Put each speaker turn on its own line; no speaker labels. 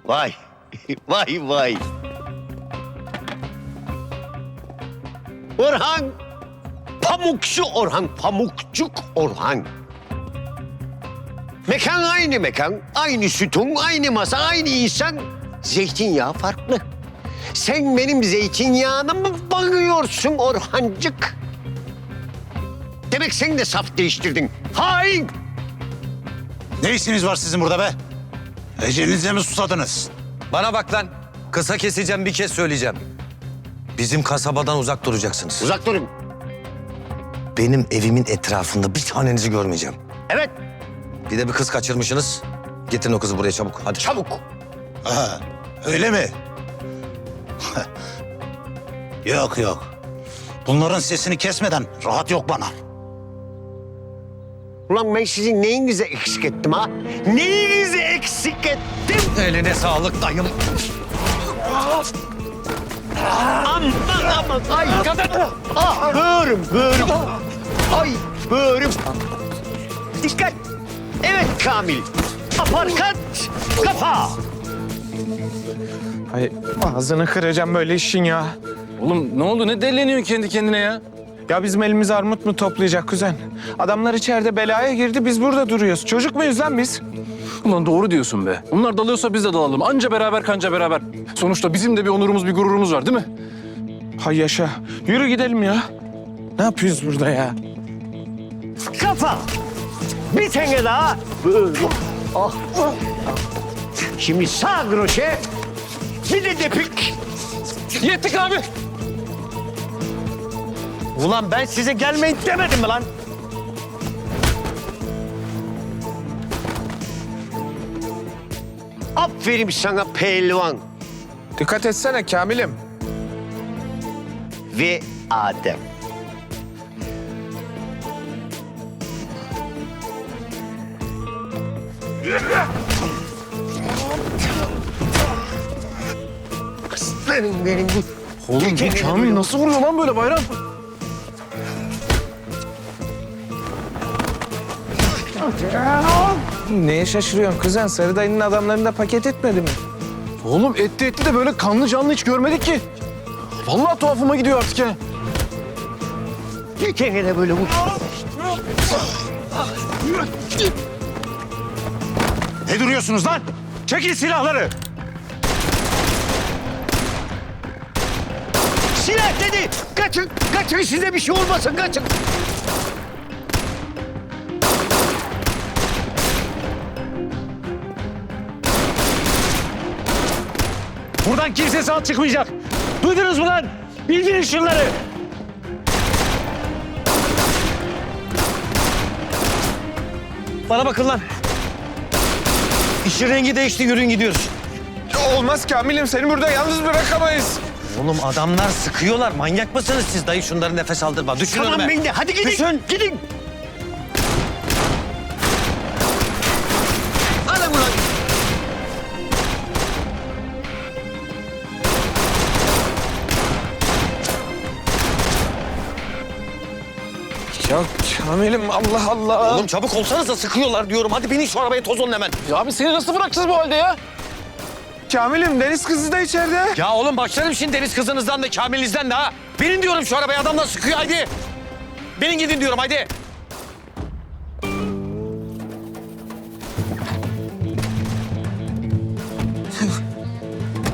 Vay, vay vay. Orhan, Pamukçu Orhan, Pamukçuk Orhan. Mekan aynı mekan, aynı sütun, aynı masa, aynı insan. Zeytinyağı farklı. Sen benim zeytinyağına mı bakıyorsun Orhancık? Demek sen de saf değiştirdin. Hain!
Ne işiniz var sizin burada be? Ecelinize mi susadınız?
Bana bak lan. Kısa keseceğim, bir kez söyleyeceğim. Bizim kasabadan uzak duracaksınız.
Uzak durun.
Benim evimin etrafında bir tanenizi görmeyeceğim.
Evet,
Bir de bir kız kaçırmışsınız. Getirin o kızı buraya çabuk. Hadi.
çabuk.
Ha, öyle mi? Yok yok. Bunların sesini kesmeden rahat yok bana.
Ulan ben sizin neyinizi eksik ettim ha? Neyinizi eksik ettim?
Eline sağlık dayım.
Aman aman. Ay kadın. Ah böğrüm böğrüm. Ay böğrüm. Dikkat. Evet Kamil. Aparkat. Kafa.
Ay ağzını kıracağım böyle işin ya.
Oğlum ne oldu? Ne delleniyorsun kendi kendine ya?
Ya bizim elimiz armut mu toplayacak kuzen? Adamlar içeride belaya girdi, biz burada duruyoruz. Çocuk muyuz lan biz?
Ulan doğru diyorsun be. Onlar dalıyorsa biz de dalalım. Anca beraber kanca beraber. Sonuçta bizim de bir onurumuz, bir gururumuz var değil mi?
Hay yaşa. Yürü gidelim ya. Ne yapıyoruz burada ya?
Kafa. Bir tane daha. Böyle. Ah. Şimdi sağ kroşe. Bir de depik.
Yettik abi.
Ulan ben size gelmeyin demedim mi lan? Aferin sana pehlivan
Dikkat etsene Kamil'im.
ve Adem. Aslanım benim bu.
Oğlum bu Kamil nasıl vuruyor lan böyle Bayram?
Neye şaşırıyorsun kuzen? Sarı dayının adamlarını da paket etmedi mi?
Oğlum etti de böyle kanlı canlı hiç görmedik ki. Vallahi tuhafıma gidiyor artık ya.
Bir kere de böyle vur.
Ne duruyorsunuz lan? Çekin silahları.
Silah dedi. Kaçın, kaçın size bir şey olmasın kaçın.
Buradan kimse sağ çıkmayacak. Duydunuz mu lan? Bildirin şunları.
Bana bakın lan. İşin rengi değişti, yürüyün gidiyoruz.
Olmaz Kamil'im, seni burada yalnız bırakamayız.
Oğlum adamlar sıkıyorlar. Manyak mısınız siz? Dayı şunları nefes aldırma. Düşün
Tamam
önüme.
ben de. Hadi gidin.
Düşün.
Gidin. Alın ulan.
Ya Kamil'im Allah Allah.
Oğlum çabuk olsanıza, sıkıyorlar diyorum. Hadi binin şu arabaya, toz olun hemen.
Ya abi seni nasıl bırakacağız bu halde ya?
Kamil'im deniz kızı da içeride.
Ya oğlum başlarım şimdi deniz kızınızdan da Kamil'inizden de ha. Binin diyorum şu arabaya, adamlar sıkıyor hadi. Binin gidin diyorum hadi.